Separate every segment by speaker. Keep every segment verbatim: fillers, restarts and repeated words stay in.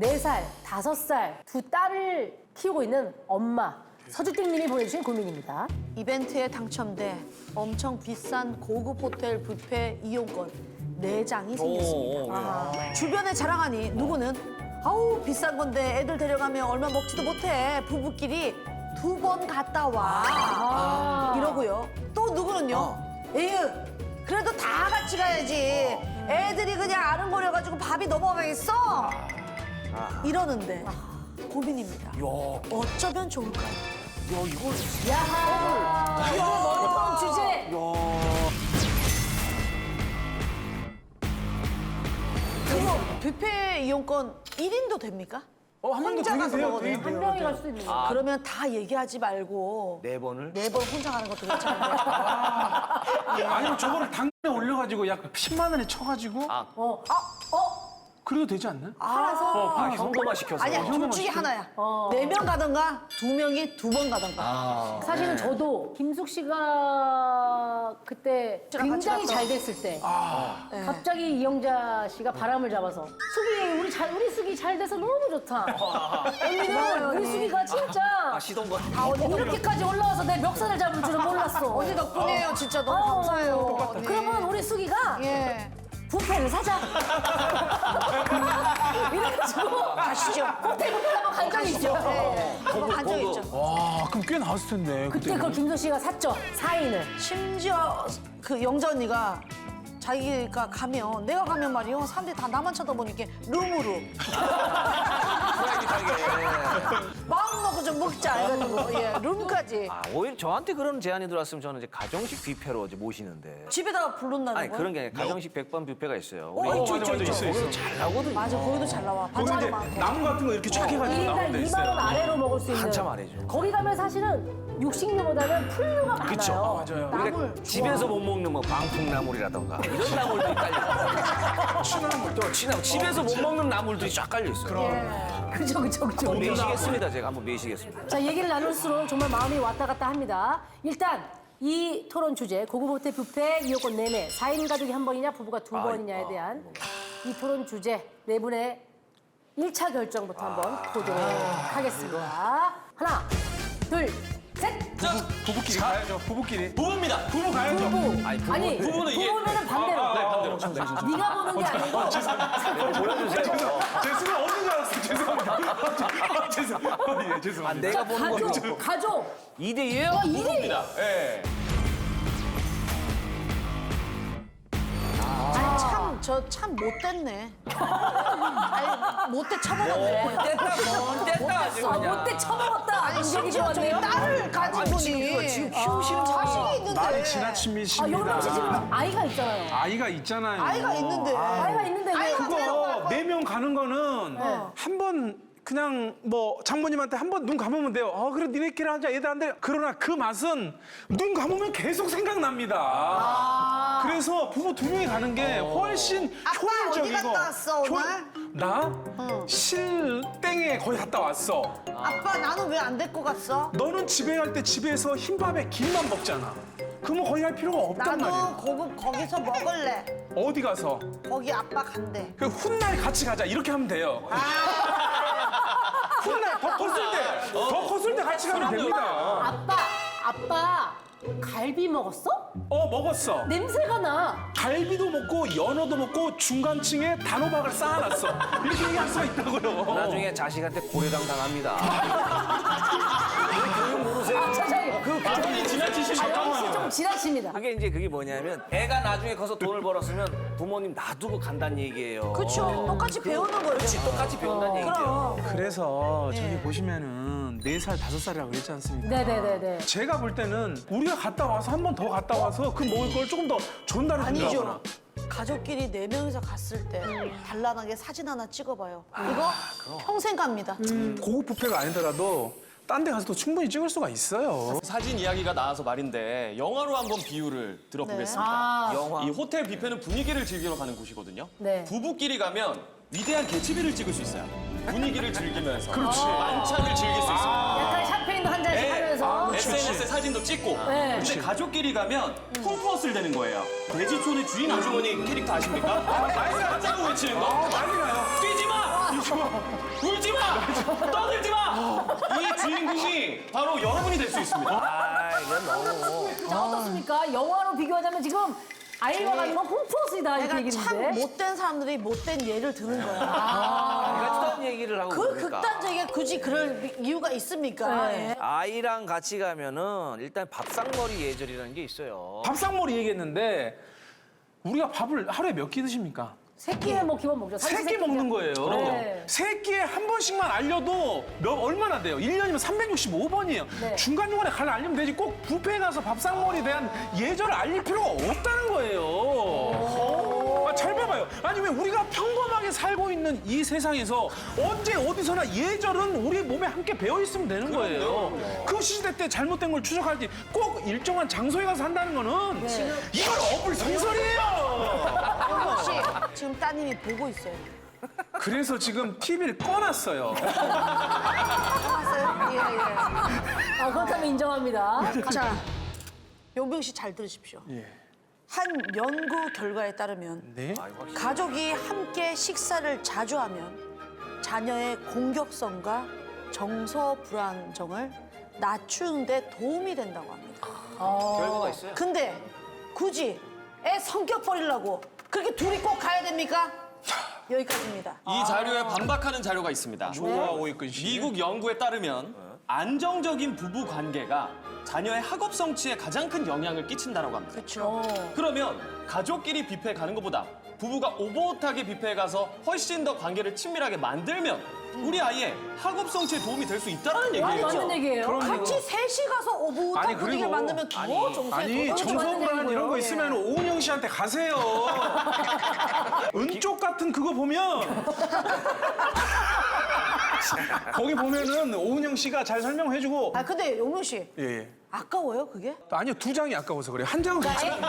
Speaker 1: 네 살, 다섯 살 두 딸을 키우고 있는 엄마 서주택님이 보내주신 고민입니다.
Speaker 2: 이벤트에 당첨돼 엄청 비싼 고급 호텔 뷔페 이용권 네 장이 생겼습니다. 아, 주변에 자랑하니 누구는 아우 비싼 건데 애들 데려가면 얼마 먹지도 못해. 부부끼리 두 번 갔다 와.
Speaker 1: 아.
Speaker 2: 이러고요. 또 누구는요. 에휴 그래도 다 같이 가야지. 애들이 그냥 아른거려가지고 밥이 넘어가겠어. 이러는데 고민입니다. 어쩌면 좋을까요?
Speaker 1: 야하! 이거 머리통 주제!
Speaker 2: 그거 뷔페 이용권 일 인도 됩니까?
Speaker 3: 어, 한 명도
Speaker 2: 혼자
Speaker 3: 되게
Speaker 2: 가서
Speaker 3: 돼요,
Speaker 2: 먹어도
Speaker 3: 되게
Speaker 1: 한
Speaker 3: 돼요.
Speaker 1: 명이 갈 수도 있는 거야.
Speaker 2: 그러면 다 얘기하지 말고
Speaker 4: 네 번을?
Speaker 2: 네 번 혼자 가는 것도 괜찮은데.
Speaker 3: 아니면 저거를 당근에 올려가지고 약 십만 원에 쳐가지고
Speaker 1: 어, 아, 어?
Speaker 3: 그래도 되지 않나요?
Speaker 2: 팔아서?
Speaker 3: 어,
Speaker 4: 아,
Speaker 3: 팔아서?
Speaker 4: 현금화 시켜서.
Speaker 2: 아니야, 둘
Speaker 3: 현금화
Speaker 2: 중에
Speaker 3: 시켜.
Speaker 2: 하나야.
Speaker 1: 어.
Speaker 2: 네 명 가든가 두 명이 두 번 가든가.
Speaker 1: 사실은 저도 김숙 씨가 그때
Speaker 2: 저랑 같이
Speaker 1: 굉장히
Speaker 2: 갔던-
Speaker 1: 잘 됐을 때
Speaker 2: 네.
Speaker 1: 갑자기 이영자 씨가 바람을 잡아서 숙이 우리 잘 우리 숙이 잘 돼서 너무 좋다. 언니는 우리 숙이가 진짜
Speaker 4: 아, 시동거.
Speaker 1: 이렇게까지 올라와서 내 멱살을 잡을 줄은 몰랐어.
Speaker 2: 언니 덕분이에요. 진짜 너무
Speaker 1: 어,
Speaker 2: 감사해요. 네.
Speaker 1: 그러면 우리 숙이가
Speaker 2: 예.
Speaker 1: 뷔페를 사자. 이래가지고
Speaker 2: 가시죠.
Speaker 1: 호텔 뷔페를 한번 간 적이 있죠.
Speaker 2: 네. 한번 간 적 있죠.
Speaker 3: 와, 그럼 꽤 나왔을 텐데.
Speaker 1: 그때 그걸 김숙 씨가 샀죠. 사 인을.
Speaker 2: 심지어 그 영자 언니가 자기가 가면 내가 가면 말이요 사람들이 다 나만 쳐다보니까 룸으로 마음 먹고 좀 먹자 해가지고 예 룸까지
Speaker 4: 아, 오히려 저한테 그런 제안이 들어왔으면 저는 이제 가정식 뷔페로 이제 모시는데.
Speaker 2: 집에다가 부른다는
Speaker 4: 아니,
Speaker 2: 거야?
Speaker 4: 그런 게 아니라 가정식 백반 뷔페가 있어요.
Speaker 2: 어,
Speaker 4: 우리
Speaker 2: 있죠, 있죠,
Speaker 3: 맞아,
Speaker 2: 있죠.
Speaker 3: 있어, 있어.
Speaker 4: 거기서 잘 나오거든요.
Speaker 2: 맞아 거기도 잘 나와
Speaker 3: 거기
Speaker 2: 반찬도
Speaker 3: 이제
Speaker 2: 많고
Speaker 3: 나무 같은 거 이렇게 쫙 해가지고
Speaker 1: 일 인당
Speaker 3: 나오는 데
Speaker 1: 이만 원
Speaker 3: 있어요.
Speaker 1: 아래로 먹을 수 있는.
Speaker 4: 한참 아래죠.
Speaker 1: 거기 가면 사실은 육식류보다는 풀류가 많아요.
Speaker 3: 그쵸, 맞아요.
Speaker 4: 우리가
Speaker 2: 나물
Speaker 4: 집에서 못 먹는 뭐 방풍나물이라던가 이런 나물들이 깔려.
Speaker 3: 취나물.
Speaker 4: 또 취나물. 집에서 못 먹는 나물들이 쫙 깔려 있어요.
Speaker 1: 그죠, 그죠, 그죠.
Speaker 4: 한번 매시겠습니다. 제가 한번 매시겠습니다.
Speaker 1: 자, 얘기를 나눌수록 정말 마음이 왔다 갔다 합니다. 일단 이 토론 주제, 고급 호텔 뷔페 이용권 내내, 사 인 가족이 한 번이냐, 부부가 두
Speaker 4: 아,
Speaker 1: 번이냐에
Speaker 4: 아,
Speaker 1: 대한 이 토론 주제, 네 분의 일 차 결정부터 한번 보도록 하겠습니다. 하나, 둘, 셋!
Speaker 3: 부부끼리 가야죠, 부부끼리.
Speaker 5: 부부입니다.
Speaker 3: 부부 가야죠.
Speaker 1: 부부.
Speaker 4: 아니, 부부-
Speaker 1: 아니,
Speaker 5: 부부는 이게-
Speaker 1: 부부면은 반대로.
Speaker 5: 네, 반대로.
Speaker 1: 네가 보는 게 아니고
Speaker 4: 보여주세요.
Speaker 3: 제 순간 없는 줄 알았어요. 죄송합니다. 아, 죄송, 예, 죄송합니다.
Speaker 4: 아, 내가 보는 거
Speaker 1: 가족, 가족.
Speaker 4: 이 대 이예요?
Speaker 5: 부부입니다. 예.
Speaker 2: 아니 참 저 참 못됐네 아니 못돼 쳐먹었네
Speaker 4: 뗐다, 뭐 뗐다. 아주
Speaker 1: 아,
Speaker 4: 그냥.
Speaker 1: 못돼 처먹었다.
Speaker 2: 아니
Speaker 1: 얘기
Speaker 2: 심지어 저기
Speaker 1: 좋았네요.
Speaker 2: 딸을 가진 분이
Speaker 4: 지금 키우시는
Speaker 2: 자식이 있는데
Speaker 3: 말이 지나침이
Speaker 1: 아,
Speaker 3: 십니다.
Speaker 1: 영남 씨 지금 아이가 있잖아요.
Speaker 3: 아이가 있잖아요.
Speaker 2: 아이가 있는데
Speaker 1: 아이가 있는데 왜?
Speaker 2: 아이가
Speaker 3: 그거 네 명 가는 거는
Speaker 1: 네.
Speaker 3: 한 번 그냥 뭐 장모님한테 한 번 눈 감으면 돼요. 어 그래 니네끼리 하자 얘들한테. 그러나 그 맛은 눈 감으면 계속 생각납니다.
Speaker 2: 아.
Speaker 3: 그래서 부부 두 명이 가는 게 훨씬
Speaker 2: 아빠
Speaker 3: 효율적이고.
Speaker 2: 어디 갔다 왔어, 오늘?
Speaker 3: 효- 나 실땡에 거의 갔다 왔어.
Speaker 2: 아빠 나는 왜 안 데리고 갔어?
Speaker 3: 너는 집에 갈 때 집에서 흰밥에 김만 먹잖아. 그러면 거의 할 필요가 없단
Speaker 2: 나도
Speaker 3: 말이야.
Speaker 2: 고급 거기서 먹을래
Speaker 3: 어디 가서
Speaker 2: 거기 아빠 간대
Speaker 3: 그 훗날 같이 가자 이렇게 하면 돼요. 훗날 더 컸을 때, 더 컸을 때 같이 가면 됩니다.
Speaker 1: 아빠, 아빠 갈비 먹었어?
Speaker 3: 어 먹었어.
Speaker 1: 냄새가 나.
Speaker 3: 갈비도 먹고 연어도 먹고 중간층에 단호박을 쌓아놨어. 이렇게 얘기할 수가 있다고요.
Speaker 4: 나중에 자식한테 고려당 당합니다. 교육 모르세요?
Speaker 1: 세상에.
Speaker 4: 그
Speaker 5: 아니 지나치시면
Speaker 1: 역시 좀 지나칩니다.
Speaker 4: 그게 이제 그게 뭐냐면 애가 나중에 커서 돈을 벌었으면 부모님 놔두고 간다는 얘기예요.
Speaker 2: 그쵸 똑같이 배우는 거죠
Speaker 4: 그렇지, 똑같이 배운다는 얘기죠.
Speaker 2: 그럼
Speaker 3: 그래서 저기 보시면은 네 살, 다섯 살이라고 그랬지 않습니까?
Speaker 1: 네네네네.
Speaker 3: 제가 볼 때는 우리가 갔다 와서 한 번 더 갔다 와서 그 먹을 걸 조금 더 전달해 준다거나.
Speaker 2: 아니죠 가족끼리 네 명이서 갔을 때 단란하게 사진 하나 찍어봐요 이거 평생 갑니다
Speaker 3: 고급 뷔페가 아니더라도 딴 데 가서도 충분히 찍을 수가 있어요.
Speaker 5: 사진 이야기가 나와서 말인데 영화로 한번 비유를 들어보겠습니다.
Speaker 1: 아,
Speaker 4: 영화.
Speaker 5: 이 호텔 뷔페는 분위기를 즐기러 가는 곳이거든요.
Speaker 1: 네.
Speaker 5: 부부끼리 가면 위대한 개츠비를 찍을 수 있어요. 분위기를 즐기면서.
Speaker 3: 그렇지.
Speaker 5: 만찬을 즐길 수 있습니다.
Speaker 1: 약간 샴페인도 한 잔씩
Speaker 5: 네.
Speaker 1: 하면서.
Speaker 5: 네, 에스엔에스에 사진도 찍고.
Speaker 1: 네.
Speaker 5: 근데 가족끼리 가면 홈플러스를 되는 거예요. 돼지촌의 주인 아주머니 캐릭터 아십니까? 맞자고 외치는 거. 뛰지 마! 울지 마! 떠들지 마! 이 주인공이 바로 여러분이 될 수 있습니다.
Speaker 4: 아, 이건 너무.
Speaker 1: 자, 어떻습니까? 영화로 비교하자면 지금 아이와 가는 건 홈플러스이다 이렇게
Speaker 2: 내가 참
Speaker 1: 얘기했는데.
Speaker 2: 못된 사람들이 못된 예를 드는 거야.
Speaker 4: 같은 얘기를 하고
Speaker 2: 그
Speaker 4: 그러니까.
Speaker 2: 극단적이게 굳이 그럴 이유가 있습니까?
Speaker 1: 네.
Speaker 2: 예.
Speaker 4: 아이랑 같이 가면은 일단 밥상머리 예절이라는 게 있어요.
Speaker 3: 밥상머리 얘기했는데 우리가 밥을 하루에 몇 끼 드십니까?
Speaker 1: 세 끼는 뭐 기본 먹죠.
Speaker 3: 세 끼 먹는 거예요.
Speaker 1: 네.
Speaker 3: 세 끼에 한 번씩만 알려도 몇, 얼마나 돼요? 일 년이면 삼백육십오 번이에요.
Speaker 1: 네.
Speaker 3: 중간중간에 갈 알리면 되지 꼭 뷔페에 가서 밥상머리에 대한 예절을 알릴 필요가 없다는 거예요. 아, 잘 봐봐요. 아니 왜 우리가 평범하게 살고 있는 이 세상에서 언제 어디서나 예절은 우리 몸에 함께 배어 있으면 되는 거예요. 그 시대 때 잘못된 걸 추적하지 꼭 일정한 장소에 가서 한다는 거는 이건 어불성설이에요.
Speaker 2: 혹시 지금 따님이 보고 있어요.
Speaker 3: 그래서 지금 티비를 꺼놨어요.
Speaker 2: 봤어요? 예, 예.
Speaker 1: 아, 그렇다면 인정합니다.
Speaker 2: 자, 용병 씨 잘 들으십시오.
Speaker 3: 예.
Speaker 2: 한 연구 결과에 따르면
Speaker 3: 네.
Speaker 2: 가족이 함께 식사를 자주 하면 자녀의 공격성과 정서 불안정을 낮추는 데 도움이 된다고 합니다.
Speaker 4: 결과가 있어요.
Speaker 2: 근데 굳이 애 성격 버리려고 그렇게 둘이 꼭 가야 됩니까? 여기까지입니다.
Speaker 5: 이 자료에 반박하는 자료가 있습니다.
Speaker 3: 좋아하고 있군 씨.
Speaker 5: 미국 연구에 따르면 안정적인 부부 관계가 자녀의 학업 성취에 가장 큰 영향을 끼친다고 합니다.
Speaker 2: 그렇죠.
Speaker 5: 그러면 가족끼리 뷔페에 가는 것보다 부부가 오버웃하게 뷔페에 가서 훨씬 더 관계를 친밀하게 만들면 우리 아이의 학업 성취에 도움이 될 수 있다는 얘기예요.
Speaker 1: 맞는 얘기예요.
Speaker 2: 같이 셋이 가서
Speaker 3: 아니,
Speaker 2: 오붓한
Speaker 3: 그리고-
Speaker 2: 분위기를 만들면 더 정서에
Speaker 3: 아니
Speaker 2: 더
Speaker 3: 정서불안 이런 거 있으면 오은영 씨한테 가세요. 은쪽 같은 그거 보면 거기 보면은 오은영 씨가 잘 설명해주고
Speaker 2: 아 근데 용명 씨
Speaker 3: 예, 예.
Speaker 2: 아까워요 그게?
Speaker 3: 아니요 두 장이 아까워서 그래요. 한 장은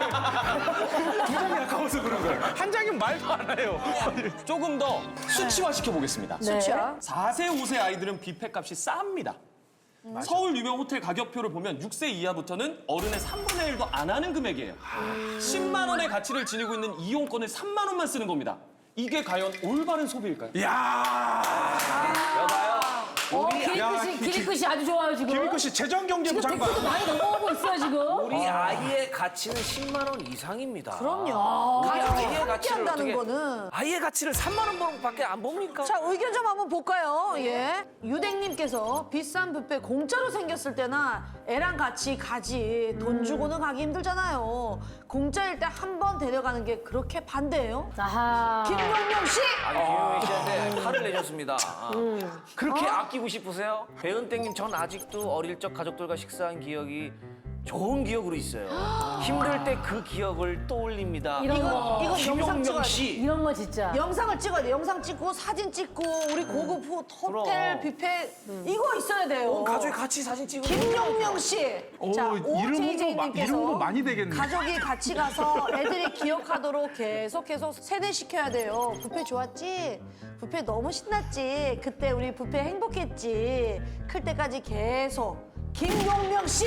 Speaker 3: 괜찮아. 두 장이 아까워서 그런 거예요. 한 장이면 말도 안 해요.
Speaker 5: 조금 더 수치화시켜 보겠습니다.
Speaker 1: 네.
Speaker 2: 수치야.
Speaker 5: 사 세, 오 세 아이들은 뷔페 값이 쌉니다. 서울 유명 호텔 가격표를 보면 육 세 이하부터는 어른의 삼분의 일도 안 하는 금액이에요. 십만 원의 가치를 지니고 있는 이용권을 삼만 원만 쓰는 겁니다. 이게 과연 올바른 소비일까요?
Speaker 3: 야
Speaker 4: 여봐요.
Speaker 1: 어,
Speaker 3: 야,
Speaker 1: 기리끝이,
Speaker 3: 기-
Speaker 1: 기리끝이 아주 좋아요, 지금.
Speaker 3: 김익구 씨 재정경제부
Speaker 1: 지금
Speaker 3: 장관.
Speaker 1: 댓글도 많이 넘어오고 있어요, 지금.
Speaker 4: 우리 아이의 가치는 십만 원 이상입니다.
Speaker 2: 그럼요.
Speaker 4: 우리
Speaker 2: 가족이
Speaker 4: 아이의
Speaker 2: 함께
Speaker 4: 가치를
Speaker 2: 한다는
Speaker 4: 어떻게
Speaker 2: 거는.
Speaker 4: 아이의 가치를 삼만 원밖에 안 봅니까?
Speaker 2: 자 의견 좀 한번 볼까요? 예. 유댕님께서 비싼 뷔페 공짜로 생겼을 때나 애랑 같이 가지 돈 주고는 가기 힘들잖아요. 공짜일 때 한 번 데려가는 게 그렇게 반대예요?
Speaker 1: 아하.
Speaker 2: 김용명 씨!
Speaker 4: 아니 김용희 씨한테 화를 내셨습니다. 그렇게 아끼고 싶으세요? 배은땡님 전 아직도 어릴 적 가족들과 식사한 기억이 좋은 기억으로 있어요. 힘들 때 그 기억을 떠올립니다.
Speaker 1: 이런
Speaker 2: 이거
Speaker 1: 거.
Speaker 2: 이거 영상
Speaker 4: 김용명
Speaker 2: 찍어야 돼.
Speaker 4: 씨.
Speaker 1: 이런 거 진짜.
Speaker 2: 영상을 찍어야 돼. 영상 찍고 사진 찍고 우리 고급 호- 호텔
Speaker 4: 그럼.
Speaker 2: 뷔페 이거 있어야 돼요.
Speaker 4: 가족이 같이 사진 찍고.
Speaker 2: 김용명 씨.
Speaker 3: 오,
Speaker 2: 자,
Speaker 3: 이름 홍보 마-
Speaker 2: 오제이제이님께서
Speaker 3: 이름 홍보 많이 되겠네.
Speaker 2: 가족이 같이 가서 애들이 기억하도록 계속 계속 세뇌시켜야 돼요. 뷔페 좋았지? 뷔페 너무 신났지? 그때 우리 뷔페 행복했지? 클 때까지 계속. 김용명 씨.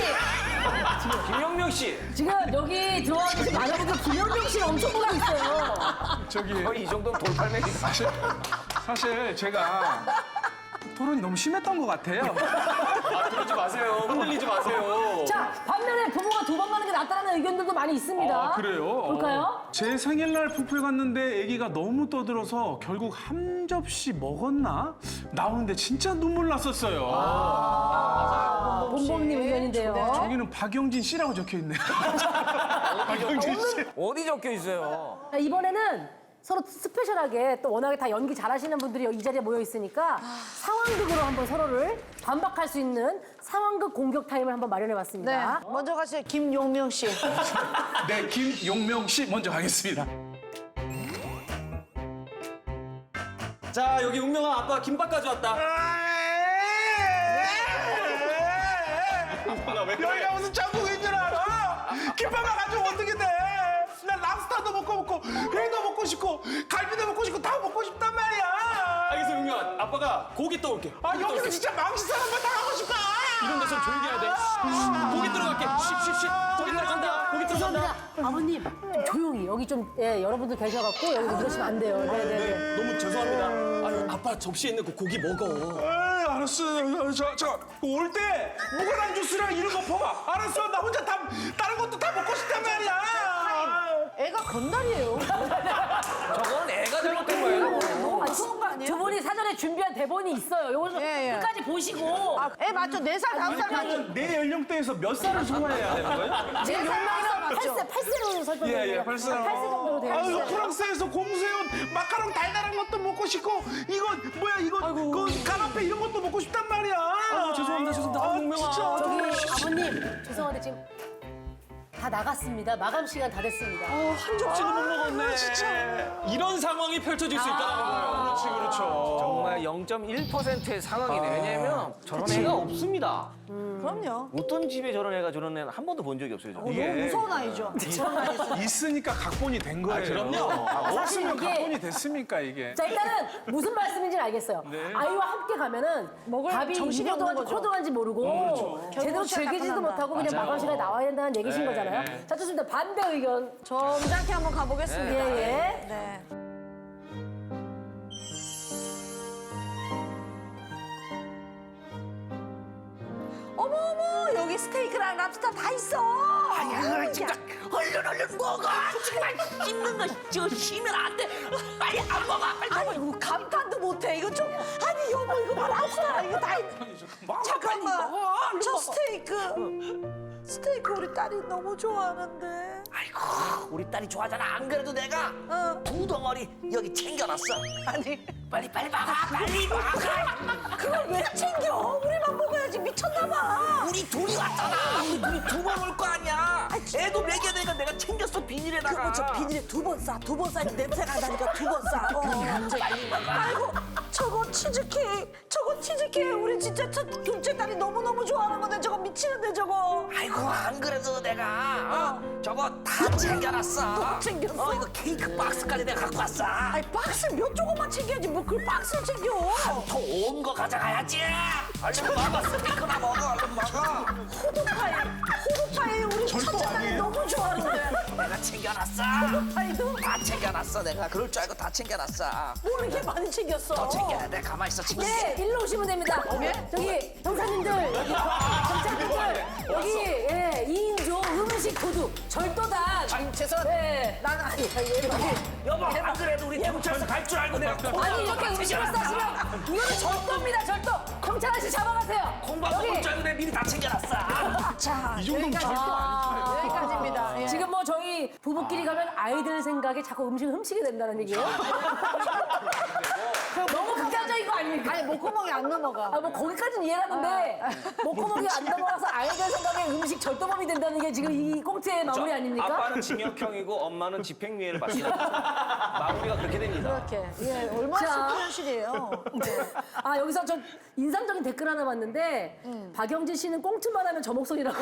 Speaker 4: 김용명 씨.
Speaker 1: 지금 여기 들어와 계신 많은 분들 김현경 씨를 엄청 보고 있어요.
Speaker 3: 저기
Speaker 4: 거의 이 정도면 돌팔매기.
Speaker 3: 사실, 사실 제가 토론이 너무 심했던 것 같아요.
Speaker 5: 아, 그러지 마세요. 흔들리지 마세요.
Speaker 1: 자, 반면에 부모가 두 번 가는 게 낫다는 의견들도 많이 있습니다.
Speaker 3: 아, 그래요?
Speaker 1: 볼까요?
Speaker 3: 어. 제 생일날 뷔페 갔는데 아기가 너무 떠들어서 결국 한 접시 먹었나? 나오는데 진짜 눈물 났었어요.
Speaker 1: 아, 본범님 의견인데요.
Speaker 3: 저기는 박영진 씨라고 적혀 있네요. 박영진 씨.
Speaker 4: 어디 적혀 있어요?
Speaker 1: 자, 이번에는 서로 스페셜하게 또 워낙에 다 연기 잘하시는 분들이 이 자리에 모여 있으니까 상황극으로 한번 서로를 반박할 수 있는 상황극 공격 타임을 한번 마련해
Speaker 2: 네.
Speaker 1: 봤습니다.
Speaker 2: 먼저 가세요. 김용명 씨.
Speaker 3: 네, 김용명 씨 먼저 가겠습니다.
Speaker 5: 자, 여기 운명아 아빠 김밥 가져왔다.
Speaker 3: 여기가 무슨 천국인 줄 알아? 김밥만 가지고 어떻게 돼? 난 랍스타도 먹고 먹고 회도 먹고 싶고 갈비도 먹고 싶고 다 먹고 싶단 말이야.
Speaker 5: 알겠어, 용명아. 아빠가 고기 떠올게.
Speaker 3: 아 여기서 진짜 망신살 한번 당하고 싶다.
Speaker 5: 이런 데서 조용히 해야 돼. 고기 들어갈게. 쉿쉿쉿. 고기 들어간다. 고기 들어간다.
Speaker 1: 죄송합니다. 아버님 좀 조용히 여기 좀 예, 여러분들 계셔갖고 여기 그러시면 안 돼요. 네네네.
Speaker 5: 네, 너무 죄송합니다. 아유, 아빠 접시에 있는 그 고기 먹어.
Speaker 3: 에이, 알았어. 저, 저, 올 때 무관한 주스랑 이런 거 퍼. 알았어. 나 혼자 다, 다른 것도 다 먹고 싶단 말이야.
Speaker 2: 애가 건달이에요.
Speaker 4: 저건 애가 잘못된 거예요.
Speaker 2: 너무 무서운 거 아니에요?
Speaker 1: 두 분이 사전에 준비한 대본이 있어요. 요거 좀
Speaker 2: 예, 예.
Speaker 1: 끝까지 보시고
Speaker 2: 아, 애 맞죠? 네 살, 다섯 살까지.
Speaker 3: 내 연령대에서 몇 살을 소화해야 되는 거예요?
Speaker 1: 지금 명명이랑
Speaker 2: 맞죠?
Speaker 1: 팔 세, 팔 세로 설정돼요.
Speaker 3: 예, 예, 팔 세.
Speaker 1: 팔 세 정도로 되어
Speaker 3: 아유,
Speaker 1: 있어요.
Speaker 3: 프랑스에서 공수해온 마카롱 달달한 것도 먹고 싶고 이거 뭐야 이거 그 까나페 이런 것도 먹고 싶단 말이야.
Speaker 5: 아유, 죄송합니다, 죄송합니다.
Speaker 3: 아,
Speaker 5: 아유, 용명아.
Speaker 3: 진짜.
Speaker 1: 저기 아버님 죄송한데 지금 다 나갔습니다. 마감 시간 다 됐습니다.
Speaker 5: 한 접시도 못 먹었네.
Speaker 3: 진짜.
Speaker 5: 이런 상황이 펼쳐질 수 있다는 거예요.
Speaker 3: 그렇지, 그렇죠.
Speaker 4: 정말 영 점 일 퍼센트의 상황이네. 왜냐면 저런 애가 없습니다.
Speaker 2: 그럼요.
Speaker 4: 어떤 집에 저런 애가 저런 애는 한 번도 본 적이 없어요. 저는.
Speaker 3: 이게
Speaker 2: 너무 무서운 아이죠. 저런 아이에서.
Speaker 3: 있으니까 각본이 된 거예요.
Speaker 5: 그럼요.
Speaker 3: 아,
Speaker 1: 사실
Speaker 3: 없으면
Speaker 1: 이게-
Speaker 3: 각본이 됐습니까 이게?
Speaker 1: 자 일단은 무슨 말씀인지는 알겠어요. 아이와 함께 가면은
Speaker 2: 먹을
Speaker 1: 밥이
Speaker 2: 정신이
Speaker 1: 입으로
Speaker 2: 없는
Speaker 1: 들어간지
Speaker 2: 거죠.
Speaker 1: 코로 들어간지 모르고 제대로
Speaker 2: 결국
Speaker 1: 즐기지도
Speaker 2: 시작
Speaker 1: 못하고 그냥
Speaker 5: 맞아요.
Speaker 1: 마감 시간에 나와야 된다는 얘기신
Speaker 5: 네,
Speaker 1: 거잖아요.
Speaker 5: 네.
Speaker 1: 자 좋습니다. 반대 의견.
Speaker 2: 점잖게 한번 가보겠습니다.
Speaker 1: 예, 예.
Speaker 2: 네. 어머 어머 여기 스테이크랑 랍스터 다 있어.
Speaker 4: 아야 진짜 얼른 얼른 먹어. 정말 씹는 거 저 쉬면 안 돼. 빨리 안 먹어. 빨리
Speaker 2: 아니 이거 감탄도 못해. 이거 좀 아니 여보 이거 봐 랍스터 이거 다 있... 잠깐만 저 스테이크 스테이크 우리 딸이 너무 좋아하는데.
Speaker 4: 아이고 우리 딸이 좋아하잖아. 안 그래도 내가
Speaker 2: 어.
Speaker 4: 두 덩어리 여기 챙겨놨어.
Speaker 2: 아니
Speaker 4: 빨리 빨리 먹어. 빨리 먹어.
Speaker 2: 그걸 왜 챙겨? 우리만 먹어야지 미쳤나 봐.
Speaker 4: 우리 둘이 왔잖아. 우리 둘이 두 번 올 거 아니야. 애도 먹여야 되니까 내가 챙겼어 비닐에다가.
Speaker 2: 그거 저 비닐에 두 번 싸, 두 번 싸. 냄새가 나니까 두 번 싸. 어. 아이고, 저거 치즈케이크, 저거 치즈케이크. 우리 진짜 첫 둘째 딸이 너무너무 좋아하는 건데 저거 미치는데 저거.
Speaker 4: 아이고 안 그래도 내가 어, 저거 다 챙겨놨어.
Speaker 2: 또 챙겼어?
Speaker 4: 어 이거 케이크 박스까지 내가 갖고 왔어.
Speaker 2: 아이, 박스 몇 조금만 챙겨야지. 뭐 그 박스를 챙겨.
Speaker 4: 더 온 거 가져가야지. 얼른 먹어. 스테이크나 먹어. 얼른 먹어.
Speaker 2: 호두파이, 호두파이 우리 첫째 딸이 너무 좋아하는데.
Speaker 4: 내가 챙겨놨어.
Speaker 2: 호두파이도
Speaker 4: 다 챙겨놨어. 내가 그럴 줄 알고 다 챙겨놨어.
Speaker 2: 뭘 이렇게 많이 챙겼어.
Speaker 4: 더 챙겨야 돼. 가만히 있어. 챙겨.
Speaker 1: 네, 일로 오시면 됩니다. 저기 형사님들, 여기 경찰분들 여기 예, 이인조 음식 도둑 절도단.
Speaker 4: 아니 죄송한데.
Speaker 1: 네, 난 아니, 여기
Speaker 4: 여보 안 그래도 우리 경찰서 갈 줄 알고 내가
Speaker 1: 아니 이렇게 음식을 싸시면 이거는 절도입니다, 절도. 경찰 아저씨 잡아가세요.
Speaker 4: 공부하고
Speaker 1: 여기.
Speaker 4: 올줄 알고 내가 미리 다 챙겨놨어.
Speaker 2: 자,
Speaker 3: 이 정도면
Speaker 2: 여기까지.
Speaker 3: 절도 아니에요.
Speaker 2: 여기까지입니다. 예.
Speaker 1: 지금 뭐 저희 부부끼리 가면 아이들 생각에 자꾸 음식을 훔치게 된다는 얘기예요. 너무 극단적인 거 아닙니까?
Speaker 2: 아니 목구멍이 안 넘어가.
Speaker 1: 아, 뭐 거기까지는 이해하는데 목구멍이 안 넘어가서 아이들 생각에 음식 절도범이 된다는 게 지금 이 꽁트의 마무리 아닙니까?
Speaker 4: 아빠는 징역형이고 엄마는 집행유예를 받습니다. 마무리가 그렇게 됩니다.
Speaker 2: 이렇게 예, 얼마나
Speaker 1: 자.
Speaker 2: 슬픈 현실이에요.
Speaker 1: 아 여기서 저 인상적인 댓글 하나 봤는데 박영진 씨는 꽁트만 하면 저 목소리라고.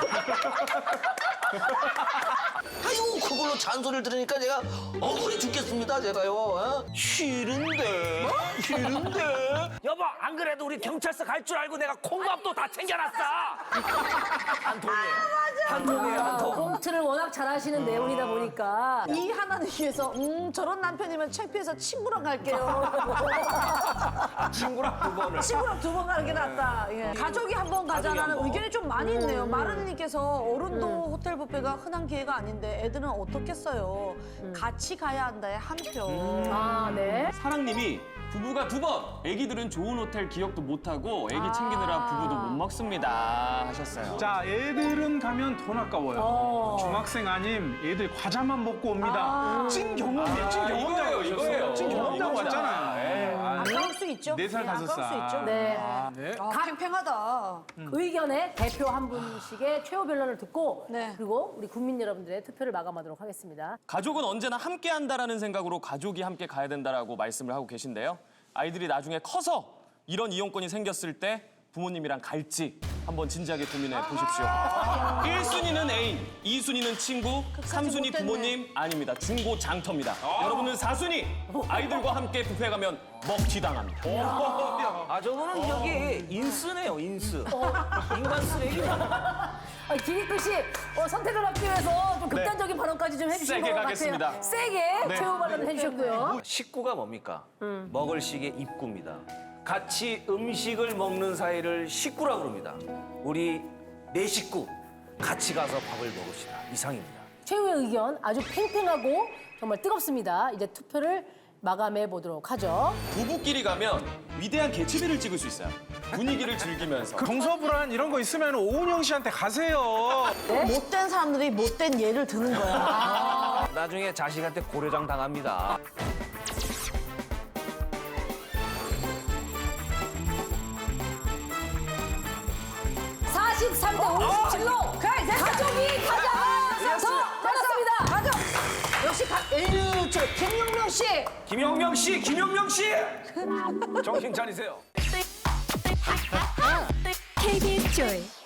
Speaker 4: 아이고 그걸로 잔소리를 들으니까 제가 억울해 죽겠습니다 제가요. 어? 싫은데 싫은데 여보 안 그래도 우리 경찰서 갈 줄 알고 내가 콩밥도 다 챙겨놨어. 한 통에 한 통에 한 통.
Speaker 1: 꽁트를 워낙 잘하시는 내용이다 보니까
Speaker 2: 이 하나는 위해서 음 저런 남편이면 창피해서 친구랑 갈게요.
Speaker 4: 친구랑 두 번을.
Speaker 2: 친구랑 두 번 가는 게 낫다. 예. 가족이 한 번 가자라는
Speaker 4: 한 번.
Speaker 2: 의견이 좀 많이 있네요. 마르니님께서 어른도 호텔 뷔페가 흔한 기회가 아닌데 애들은 어떻겠어요. 같이 가야 한다의 한 표.
Speaker 1: 아 네.
Speaker 5: 사랑님이 부부가 두 번, 애기들은 좋은 호텔 기억도 못하고 애기 챙기느라 부부도 못 먹습니다 하셨어요.
Speaker 3: 자, 애들은 가면 돈 아까워요.
Speaker 1: 어.
Speaker 3: 중학생 아님 애들 과자만 먹고 옵니다. 찐 경험이에요. 찐
Speaker 5: 아,
Speaker 3: 경험자고
Speaker 5: 이거예요, 이거예요.
Speaker 3: 찐 경험자고
Speaker 5: 이거죠.
Speaker 3: 왔잖아요.
Speaker 5: 네.
Speaker 3: 아,
Speaker 2: 아까울 수 있죠.
Speaker 3: 네 살,
Speaker 2: 예,
Speaker 3: 다섯
Speaker 2: 아까울 수
Speaker 3: 살.
Speaker 2: 있죠.
Speaker 1: 네.
Speaker 3: 네.
Speaker 2: 아, 팽팽하다.
Speaker 1: 의견의 대표 한 분씩의 최후 변론을 듣고
Speaker 2: 네.
Speaker 1: 그리고 우리 국민 여러분들의 투표를 마감하도록 하겠습니다.
Speaker 5: 가족은 언제나 함께 한다라는 생각으로 가족이 함께 가야 된다라고 말씀을 하고 계신데요. 아이들이 나중에 커서 이런 이용권이 생겼을 때 부모님이랑 갈지 한번 진지하게 고민해 보십시오. 일 순위는 애인, 이 순위는 친구, 삼 순위
Speaker 2: 못됐네.
Speaker 5: 부모님 아닙니다. 중고 장터입니다. 여러분은 사 순위 아이들과 함께 뷔페 가면 먹튀당합니다.
Speaker 4: 아 저거는 여기 인스네요 인스. 인간 쓰레기.
Speaker 1: 아, 김익근 씨 어, 선택을 하기 위해서 좀 극단적인 발언까지 좀 해주신
Speaker 5: 세게
Speaker 1: 것
Speaker 5: 가겠습니다.
Speaker 1: 같아요. 세게
Speaker 5: 네.
Speaker 1: 최후 발언을 해주셨고요.
Speaker 4: 식구가 뭡니까? 먹을 식의 입구입니다. 같이 음식을 먹는 사이를 식구라고 그럽니다. 우리 네 식구 같이 가서 밥을 먹읍시다. 이상입니다.
Speaker 1: 최후의 의견 아주 팽팽하고 정말 뜨겁습니다. 이제 투표를 마감해 보도록 하죠.
Speaker 5: 부부끼리 가면 위대한 개츠비를 찍을 수 있어요. 분위기를 즐기면서.
Speaker 3: 동서불안 이런 거 있으면 오은영 씨한테 가세요.
Speaker 2: 못된 사람들이 못된 예를 드는 거야.
Speaker 4: 나중에 자식한테 고려장 당합니다.
Speaker 1: 사십삼 대 오십칠로 가족이 가장 더 많았습니다. 가족.
Speaker 2: 역시 가, 에휴, 저 김용명 씨.
Speaker 4: 김영명 씨, 김영명 씨, 정신 차리세요.
Speaker 6: 케이비에스 조이